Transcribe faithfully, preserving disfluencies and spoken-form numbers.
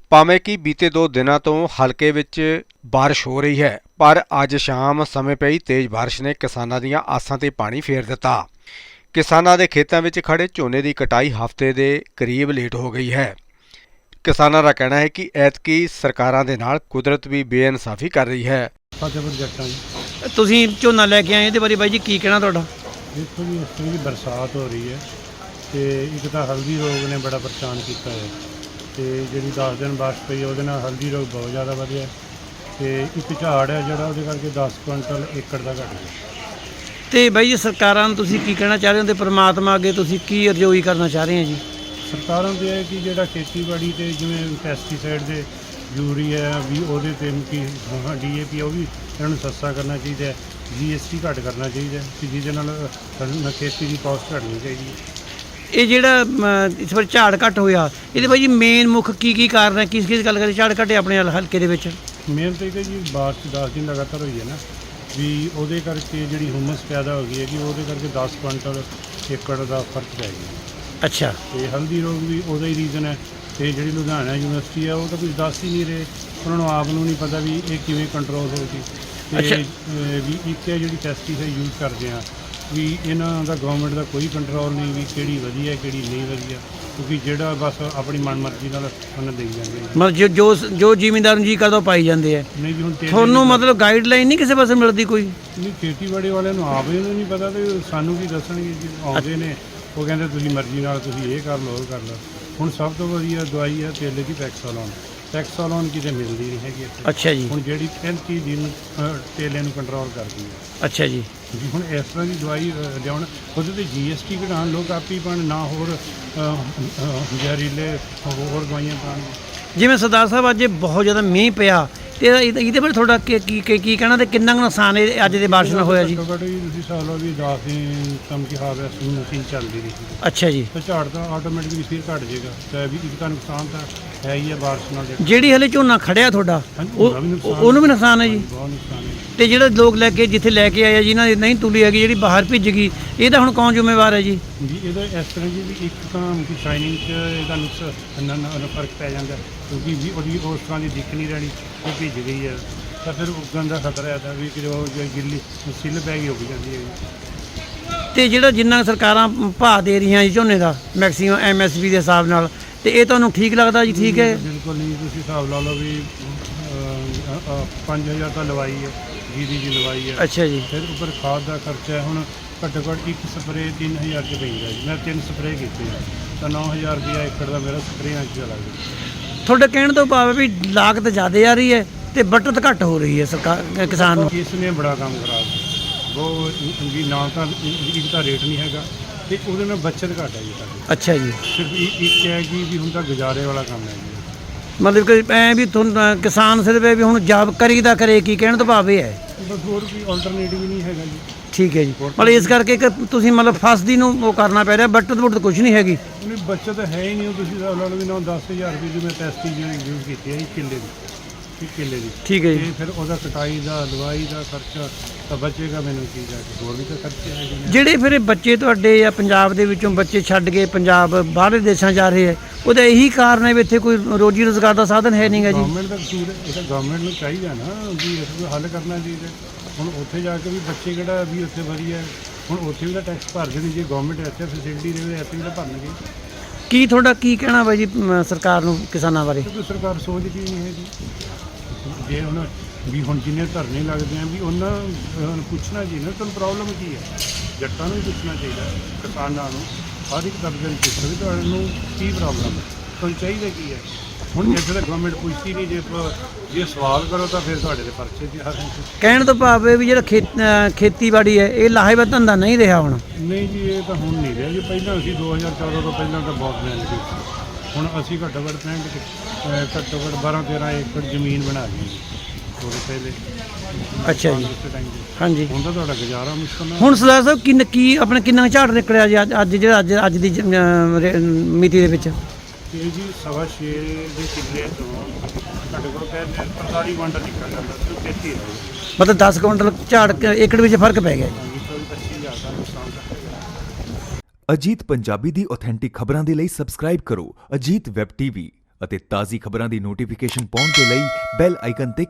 ਭਾਵੇਂ ਕਿ ਬੀਤੇ ਦੋ ਦਿਨਾਂ ਤੋਂ ਹਲਕੇ ਵਿੱਚ ਬਾਰਿਸ਼ ਹੋ ਰਹੀ ਹੈ, ਪਰ ਅੱਜ ਸ਼ਾਮ ਸਮੇਂ ਪਈ ਤੇਜ਼ ਬਾਰਿਸ਼ ਨੇ ਕਿਸਾਨਾਂ ਦੀਆਂ ਆਸਾਂ ਤੇ ਪਾਣੀ ਫੇਰ ਦਿੱਤਾ। ਕਿਸਾਨਾਂ ਦੇ ਖੇਤਾਂ ਵਿੱਚ ਖੜੇ ਝੋਨੇ ਦੀ ਕਟਾਈ ਹਫ਼ਤੇ ਦੇ ਕਰੀਬ ਲੇਟ ਹੋ ਗਈ ਹੈ। ਕਿਸਾਨਾਂ ਦਾ ਕਹਿਣਾ ਹੈ ਕਿ ਐਤਕੀ ਸਰਕਾਰਾਂ ਦੇ ਨਾਲ ਕੁਦਰਤ ਵੀ ਬੇਇਨਸਾਫੀ ਕਰ ਰਹੀ ਹੈ। ਫਤਿਹਪੁਰ ਜੱਟਾਂ ਜੀ ਤੁਸੀਂ ਝੋਨਾ ਲੈ ਕੇ ਆਏ, ਇਹਦੇ ਬਾਰੇ ਬਾਈ ਜੀ ਕੀ ਕਹਿਣਾ ਤੁਹਾਡਾ? ਦੇਖੋ ਜੀ, ਇਸ ਤਰ੍ਹਾਂ ਦੀ ਬਰਸਾਤ ਹੋ ਰਹੀ ਹੈ ਤੇ ਇੱਕ ਤਾਂ ਹਲਦੀ ਰੋਗ ਨੇ ਬੜਾ ਪਰੇਸ਼ਾਨ ਕੀਤਾ ਹੈ ਤੇ ਜਿਹੜੀ ਦਸ ਦਿਨ ਬਾਰਿਸ਼ ਪਈ ਉਹਦੇ ਨਾਲ ਹਲਦੀ ਰੋਗ ਬਹੁਤ ਜ਼ਿਆਦਾ ਵਧਿਆ ਤੇ ਇੱਕ ਝਾੜ ਹੈ ਜਿਹੜਾ ਉਹਦੇ ਕਰਕੇ ਦਸ ਕੁਇੰਟਲ ਏਕੜ ਦਾ ਘਟ ਗਿਆ। ਤੇ ਬਾਈ ਜੀ ਸਰਕਾਰਾਂ ਨੂੰ ਤੁਸੀਂ ਕੀ ਕਹਿਣਾ ਚਾਹ ਰਹੇ ਹੋ ਤੇ ਪ੍ਰਮਾਤਮਾ ਅੱਗੇ ਤੁਸੀਂ ਕੀ ਅਰਜ਼ੋਈ ਕਰਨਾ ਚਾਹ ਰਹੇ ਹੋ ਜੀ? ਸਰਕਾਰਾਂ ਦੇ ਹੈ ਕਿ ਜਿਹੜਾ ਖੇਤੀਬਾੜੀ ਤੇ ਜਿਵੇਂ ਪੈਸਟੀਸਾਈਡ ਦੇ ਯੂਰੀਆ ਵੀ ਉਹਦੇ 'ਤੇ ਕਿ ਡੀ ਏ ਪੀ ਉਹ ਵੀ ਇਹਨਾਂ ਨੂੰ ਸਸਤਾ ਕਰਨਾ ਚਾਹੀਦਾ ਹੈ, ਜੀ ਐਸ ਟੀ ਘੱਟ ਕਰਨਾ ਚਾਹੀਦਾ ਕਿ ਜਿਹਦੇ ਨਾਲ ਖੇਤੀ ਦੀ ਕਾਸਟ ਘਟਣੀ ਚਾਹੀਦੀ ਹੈ। ਇਹ ਜਿਹੜਾ ਇਸ ਵਾਰ ਝਾੜ ਘੱਟ ਹੋਇਆ, ਇਹਦੇ ਬਾਈ ਜੀ ਮੇਨ ਮੁੱਖ ਕੀ ਕੀ ਕਾਰਨ ਹੈ? ਕਿਸ ਕਿਸ ਗੱਲ ਕਰੀ ਝਾੜ ਘਟੇ ਆਪਣੇ ਹਲਕੇ ਦੇ ਵਿੱਚ? ਮੇਨ ਤਾਂ ਇਹ ਜੀ ਬਾਰਿਸ਼ ਦਸ ਦਿਨ ਲਗਾਤਾਰ ਹੋਈ ਹੈ ਨਾ, ਵੀ ਉਹਦੇ ਕਰਕੇ ਜਿਹੜੀ ਹੁਮਸ ਪੈਦਾ ਹੋ ਗਈ ਹੈ ਕਿ ਉਹਦੇ ਕਰਕੇ ਦਸ ਕੁਇੰਟਲ ਏਕੜ ਦਾ ਫਰਕ ਪੈ ਗਿਆ। ਅੱਛਾ। ਤੇ ਹਲਦੀ ਰੋਗ ਵੀ ਉਹਦਾ ਹੀ ਰੀਜ਼ਨ ਹੈ ਤੇ ਜਿਹੜੀ ਲੁਧਿਆਣਾ ਯੂਨੀਵਰਸਿਟੀ ਹੈ ਉਹ ਤਾਂ ਕੁਝ ਦੱਸ ਹੀ ਨਹੀਂ ਰਹੇ, ਉਹਨਾਂ ਨੂੰ ਆਪ ਨੂੰ ਨਹੀਂ ਪਤਾ ਵੀ ਇਹ ਕਿਵੇਂ ਕੰਟਰੋਲ ਹੋਊਗੀ। ਤੇ ਵੀ ਇੱਕ ਹੈ ਜਿਹੜੀ ਪੈਸਟੀਸਾਈਡ ਯੂਜ਼ ਕਰਦੇ ਆ ਵੀ ਇਹਨਾਂ ਦਾ ਗਵਰਨਮੈਂਟ ਦਾ ਕੋਈ ਕੰਟਰੋਲ ਨਹੀਂ ਵੀ ਕਿਹੜੀ ਵਧੀਆ ਕਿਹੜੀ ਨਹੀਂ ਵਧੀਆ, ਕਿਉਂਕਿ ਜਿਹੜਾ ਬਸ ਆਪਣੀ ਮਨਮਰਜ਼ੀ ਨਾਲ ਉਹਨਾਂ ਦੇਈ ਜਾਂਦੇ ਮਤਲਬ ਜੋ ਜੋ ਜ਼ਿਮੀਂਦਾਰ ਨੂੰ ਜੀ ਕਰਦਾ ਉਹ ਪਾਈ ਜਾਂਦੇ ਆ। ਨਹੀਂ ਜੀ ਹੁਣ ਤੁਹਾਨੂੰ ਮਤਲਬ ਗਾਈਡਲਾਈਨ ਨਹੀਂ ਕਿਸੇ ਪਾਸੇ ਮਿਲਦੀ ਕੋਈ? ਨਹੀਂ, ਖੇਤੀਬਾੜੀ ਵਾਲਿਆਂ ਨੂੰ ਆਪ ਇਹਨੂੰ ਨਹੀਂ ਪਤਾ ਤੇ ਸਾਨੂੰ ਕੀ ਦੱਸਣਗੇ ਜੀ। ਆਉਂਦੇ ਨੇ ਉਹ ਕਹਿੰਦੇ ਤੁਸੀਂ ਮਰਜ਼ੀ ਨਾਲ ਤੁਸੀਂ ਇਹ ਕਰ ਲਓ ਉਹ ਕਰ ਲਓ। ਹੁਣ ਸਭ ਤੋਂ ਵਧੀਆ ਦਵਾਈ ਹੈ ਤੇਲੇ ਦੀ ਟੈਕਸਾਲੋਨ। ਟੈਕਸਾਲੋਨ ਕਿਤੇ ਮਿਲਦੀ ਨਹੀਂ ਹੈਗੀ ਇੱਥੇ। ਅੱਛਾ ਜੀ। ਹੁਣ ਜਿਹੜੀ ਪੈਂਤੀ ਦਿਨ ਤੇਲੇ ਨੂੰ ਕੰਟਰੋਲ ਕਰਦੀ ਹੈ। ਅੱਛਾ ਜੀ। ਜੀ ਹੁਣ ਇਸ ਤਰ੍ਹਾਂ ਦੀ ਦਵਾਈ ਲਿਆਉਣ ਉਹਦੇ 'ਤੇ ਜੀ ਐਸ ਟੀ ਘਟਾਉਣ, ਲੋਕ ਆਪੀ ਪਾਉਣ, ਨਾ ਹੋਰ ਜ਼ਹਿਰੀਲੇ ਹੋਰ ਦਵਾਈਆਂ ਪਾਉਣ। ਜਿਵੇਂ ਸਰਦਾਰ ਸਾਹਿਬ ਅੱਜ ਬਹੁਤ ਜ਼ਿਆਦਾ ਮੀਂਹ ਪਿਆ ਤੇ ਇਹਦੇ ਬਾਰੇ ਤੁਹਾਡਾ ਕੀ ਕੀ ਕੀ ਕਹਿਣਾ ਤੇ ਕਿੰਨਾ ਕੁ ਨੁਕਸਾਨ ਇਹ ਅੱਜ ਦੇ ਬਾਰਿਸ਼ ਨਾਲ ਹੋਇਆ ਜੀ? ਘੱਟੋ ਘੱਟ ਜੀ ਤੁਸੀਂ ਹਿਸਾਬ ਲਓ ਵੀ ਦਸ ਦਿਨ ਕੰਮ ਕੀ ਹਾਰਵੈਸਟ ਮਸ਼ੀਨ ਚੱਲਦੀ ਰਹੀ। ਅੱਛਾ ਜੀ। ਤਾਂ ਝਾੜ ਤਾਂ ਆਟੋਮੈਟਿਕਲੀ ਫਿਰ ਘਟ ਜਾਏਗਾ ਤੇ ਵੀ ਇੱਕ ਤਾਂ ਨੁਕਸਾਨ ਤਾਂ ਹੈ ਹੀ ਹੈ ਬਾਰਿਸ਼ ਨਾਲ। ਜਿਹੜੀ ਹਲੇ ਝੋਨਾ ਖੜਿਆ ਤੁਹਾਡਾ ਉਹਨੂੰ ਵੀ ਨੁਕਸਾਨ ਹੈ ਜੀ? ਬਹੁਤ ਨੁਕਸਾਨ ਹੈ। ਤੇ ਜਿਹੜੇ ਲੋਕ ਲੈ ਕੇ ਜਿੱਥੇ ਲੈ ਕੇ ਆਏ ਆ ਜਿਨ੍ਹਾਂ ਦੀ ਨਹੀਂ ਤੁਲੀ ਹੈਗੀ ਜਿਹੜੀ ਬਾਹਰ ਭਿੱਜ ਗਈ, ਇਹਦਾ ਹੁਣ ਕੌਣ ਜ਼ਿੰਮੇਵਾਰ ਹੈ ਜੀ? ਜੀ ਇਹਦਾ ਇਸ ਤਰ੍ਹਾਂ ਜੀ ਵੀ ਇੱਕ ਤਾਂ ਕਿ ਸ਼ਾਈਨਿੰਗ 'ਚ ਇਹਦਾ ਨੁਕਸ ਫਰਕ ਪੈ ਜਾਂਦਾ ਕਿਉਂਕਿ ਵੀ ਉਹਦੀ ਉਸ ਤਰ੍ਹਾਂ ਦੀ ਦਿੱਖ ਨਹੀਂ ਰਹਿਣੀ, ਉਹ ਭਿੱਜ ਗਈ ਹੈ ਤਾਂ ਫਿਰ ਉੱਗਣ ਦਾ ਖਤਰਾ ਹੈ ਤਾਂ ਵੀ ਕਿ ਉਹ ਗਿੱਲੀ ਸਿੱਲ ਪੈ ਗਈ ਉੱਗ ਜਾਂਦੀ ਹੈ। ਤੇ ਜਿਹੜਾ ਜਿੰਨਾ ਸਰਕਾਰਾਂ ਭਾਅ ਦੇ ਰਹੀਆਂ ਜੀ ਝੋਨੇ ਦਾ ਮੈਕਸੀਮਮ ਐਮ ਐਸ ਪੀ ਦੇ ਹਿਸਾਬ ਨਾਲ, ਤੇ ਇਹ ਤੁਹਾਨੂੰ ਠੀਕ ਲੱਗਦਾ ਜੀ? ਠੀਕ ਹੈ। ਬਿਲਕੁਲ ਨਹੀਂ, ਤੁਸੀਂ ਹਿਸਾਬ ਲਾ ਲਓ ਵੀ ਪੰਜ ਹਜ਼ਾਰ ਤਾਂ ਲਵਾਈ ਹੈ, ਜੀਰੀ ਦੀ ਲਵਾਈ ਹੈ। ਅੱਛਾ ਜੀ। ਫਿਰ ਉੱਪਰ ਖਾਦ ਦਾ ਖਰਚਾ ਹੈ। ਹੁਣ ਘੱਟੋ ਘੱਟ ਇੱਕ ਸਪਰੇਅ ਤਿੰਨ ਹਜ਼ਾਰ 'ਚ ਪੈਂਦਾ ਜੀ। ਮੈਂ ਤਿੰਨ ਸਪਰੇਅ ਕੀਤੇ ਤਾਂ ਨੌ ਹਜ਼ਾਰ ਰੁਪਇਆ ਏਕੜ ਦਾ ਮੇਰਾ ਸਪਰੇਆਂ 'ਚ ਚਲਾ ਗਿਆ। ਤੁਹਾਡੇ ਕਹਿਣ ਤੋਂ ਭਾਵ ਵੀ ਲਾਗਤ ਜ਼ਿਆਦਾ ਆ ਰਹੀ ਹੈ ਤੇ ਬਚਤ ਘੱਟ ਹੋ ਰਹੀ ਹੈ ਸਰਕਾਰ ਕਿਸਾਨ ਨੂੰ। ਇਸ ਨੇ ਬੜਾ ਕੰਮ ਖਰਾਬ ਕੀਤਾ। ਉਹ ਵੀ ਨਾ ਤਾਂ ਇੱਕ ਤਾਂ ਰੇਟ ਨਹੀਂ ਹੈਗਾ ਤੇ ਉਹਦੇ ਨਾਲ ਬੱਚਤ ਘੱਟ ਹੈ ਜੀ ਸਾਡੀ। ਅੱਛਾ ਜੀ। ਸਿਰਫ ਇੱਕ ਹੈ ਕਿ ਵੀ ਹੁਣ ਤਾਂ ਗੁਜ਼ਾਰੇ ਵਾਲਾ ਕੰਮ ਹੈ ਜੀ। ਮਤਲਬ ਕਿ ਐਂ ਵੀ ਤੁਹਾਨੂੰ ਕਿਸਾਨ ਸਿਰਫ ਵੀ ਹੁਣ ਜੌਬ ਕਰੀਦਾ ਕਰੇ, ਕੀ ਕਹਿਣ ਤੋਂ ਭਾਵ ਇਹ ਹੈ? ਬਸ ਹੋਰ ਕੋਈ ਆਲਟਰਨੇਟਿਵ ਨਹੀਂ ਹੈਗਾ ਜੀ। ਠੀਕ ਹੈ ਜੀ। ਮਤਲਬ ਇਸ ਕਰਕੇ ਕਿ ਤੁਸੀਂ ਮਤਲਬ ਫਸਦੀ ਨੂੰ ਉਹ ਕਰਨਾ ਪੈ ਰਿਹਾ, ਬਚਤ ਬੁੱਟ ਕੁਝ ਨਹੀਂ ਹੈਗੀ। ਨਹੀਂ, ਬੱਚਤ ਹੈ ਹੀ ਨਹੀਂ। ਤੁਸੀਂ ਲਾ ਲਓ ਵੀ ਨਾ ਦਸ ਹਜ਼ਾਰ ਰੁਪਏ ਦੀ ਮੈਂ ਪੈਸਟੀ ਯੂਜ਼ ਕੀਤੀ ਹੈ ਇੱਕ ਕਿੱਲੇ ਦੀ, ਇੱਕ ਕਿੱਲੇ ਦੀ। ਠੀਕ ਹੈ ਜੀ। ਤੇ ਫਿਰ ਉਹਦਾ ਕਟਾਈ ਦਾ ਦਵਾਈ ਦਾ ਖਰਚਾ ਤਾਂ ਬਚੇਗਾ ਮੈਨੂੰ ਕੀ ਜਾ ਕੇ, ਹੋਰ ਵੀ ਤਾਂ ਖਰਚੇ ਹੈਗੇ ਨੇ। ਜਿਹੜੇ ਫਿਰ ਬੱਚੇ ਤੁਹਾਡੇ ਜਾਂ ਪੰਜਾਬ ਦੇ ਵਿੱਚੋਂ ਬੱਚੇ ਛੱਡ ਕੇ ਪੰਜਾਬ ਬਾਹਰਲੇ ਦੇਸ਼ਾਂ ਜਾ ਰਹੇ ਹੈ, ਉਹਦਾ ਇਹੀ ਕਾਰਨ ਹੈ ਵੀ ਇੱਥੇ ਕੋਈ ਰੋਜੀ ਰੋਜ਼ਗਾਰ ਦਾ ਸਾਧਨ ਹੈ ਨਹੀਂਗਾ ਜੀ? ਗਵਰਨਮੈਂਟ ਦਾ ਕਸੂਰ ਹੈ, ਇਹ ਤਾਂ ਗਵਰਨਮੈਂਟ ਨੂੰ ਚਾਹੀਦਾ ਨਾ ਵੀ ਇਸ ਨੂੰ ਹੱਲ ਕਰਨਾ ਚਾਹੀਦਾ। ਹੁਣ ਉੱਥੇ ਜਾ ਕੇ ਵੀ ਬੱਚੇ ਕਿਹੜਾ ਵੀ ਉੱਥੇ ਵਧੀਆ, ਹੁਣ ਉੱਥੇ ਵੀ ਤਾਂ ਟੈਕਸ ਭਰਦੇ ਨੇ। ਜੇ ਗਵਰਨਮੈਂਟ ਇੱਥੇ ਫੈਸਿਲਿਟੀ ਦੇਵੇ ਇੱਥੇ ਵੀ ਤਾਂ ਭਰਨਗੇ। ਕੀ ਤੁਹਾਡਾ ਕੀ ਕਹਿਣਾ ਬਾਈ ਜੀ ਸਰਕਾਰ ਨੂੰ ਕਿਸਾਨਾਂ ਬਾਰੇ? ਕਿਉਂਕਿ ਸਰਕਾਰ ਸੋਚਦੀ ਨਹੀਂ ਹੈ ਜੀ। ਜੇ ਹੁਣ ਵੀ ਹੁਣ ਜਿੰਨੇ ਧਰਨੇ ਲੱਗਦੇ ਆ ਵੀ ਉਹਨਾਂ ਨੂੰ ਪੁੱਛਣਾ ਜੀ ਨਾ ਤੁਹਾਨੂੰ ਪ੍ਰੋਬਲਮ ਕੀ ਹੈ। ਜੱਟਾਂ ਨੂੰ ਵੀ ਪੁੱਛਣਾ ਚਾਹੀਦਾ, ਕਿਸਾਨਾਂ ਨੂੰ, ਹਰ ਇੱਕ ਦਰਜੇ ਨੂੰ ਪੁੱਛਣਾ ਵੀ ਤੁਹਾਨੂੰ ਕੀ ਪ੍ਰੋਬਲਮ ਹੈ, ਤੁਹਾਨੂੰ ਚਾਹੀਦਾ ਕੀ ਹੈ। ਹੁਣ ਇੱਥੇ ਤਾਂ ਗਵਰਨਮੈਂਟ ਪੁੱਛਦੀ ਨਹੀਂ। ਜੇ ਜੇ ਸਵਾਲ ਕਰੋ ਤਾਂ ਫਿਰ ਤੁਹਾਡੇ ਦੇ ਪਰਚੇ ਦੀ ਹਰ ਕਹਿਣ ਤੋਂ ਭਾਵ ਹੈ ਵੀ ਜਿਹੜਾ ਖੇਤ ਖੇਤੀਬਾੜੀ ਹੈ ਇਹ ਲਾਹੇਵੰਦ ਧੰਦਾ ਨਹੀਂ ਰਿਹਾ ਹੁਣ। ਨਹੀਂ ਜੀ, ਇਹ ਤਾਂ ਹੁਣ ਨਹੀਂ ਰਿਹਾ ਜੀ। ਪਹਿਲਾਂ ਅਸੀਂ ਦੋ ਹਜ਼ਾਰ ਚੌਦਾਂ ਤੋਂ ਪਹਿਲਾਂ ਤਾਂ ਬਹੁਤ ਮਿਹਨਤ ਕੀਤੀ। ਹੁਣ ਅਸੀਂ ਘੱਟੋ ਘੱਟ ਪੈਂਹਠ ਘੱਟੋ ਘੱਟ ਬਾਰਾਂ ਤੇਰਾਂ ਏਕੜ ਜ਼ਮੀਨ ਬਣਾ ਲਈ ਥੋੜੇ ਪਹਿਲੇ। ਅੱਛਾ ਜੀ। ਹਾਂਜੀ। ਹੁਣ ਤਾਂ ਤੁਹਾਡਾ ਗੁਜ਼ਾਰਾ ਮੁਸ਼ਕਲ ਹੈ। ਹੁਣ ਸਰਦਾਰ ਸਾਹਿਬ ਕਿੰਨ ਕੀ ਆਪਣਾ ਕਿੰਨਾ ਝਾੜ ਨਿਕਲਿਆ ਜੀ ਅੱਜ ਜਿਹੜਾ ਅੱਜ ਅੱਜ ਦੀ ਮਿਤੀ ਦੇ ਵਿੱਚ? ਇਹ ਜੀ ਸਵਾ ਛੇ ਦੇ ਕਿੱਲੇ ਤੋਂ ਘੱਟੋ ਘੱਟ ਪੰਤਾਲੀ ਕੁਇੰਟਲ ਨਿਕਲ ਜਾਂਦਾ ਸੀ, ਤੇਤੀ ਮਤਲਬ ਦਸ ਕੁਇੰਟਲ ਝਾੜ ਏਕੜ ਵਿੱਚ ਫਰਕ ਪੈ ਗਿਆ ਜੀ। ਪੱਚੀ ਹਜ਼ਾਰ ਦਾ ਨੁਕਸਾਨ ਕਰ। ਅਜੀਤ ਪੰਜਾਬੀ ਦੀ ਆਥੈਂਟਿਕ ਖਬਰਾਂ ਦੇ ਲਈ ਸਬਸਕ੍ਰਾਈਬ ਕਰੋ ਅਜੀਤ ਵੈਬ ਟੀਵੀ ਅਤੇ ਤਾਜ਼ੀ ਖਬਰਾਂ ਦੀ ਨੋਟੀਫਿਕੇਸ਼ਨ ਪਾਉਣ ਦੇ ਲਈ ਬੈਲ ਆਈਕਨ ਤੇ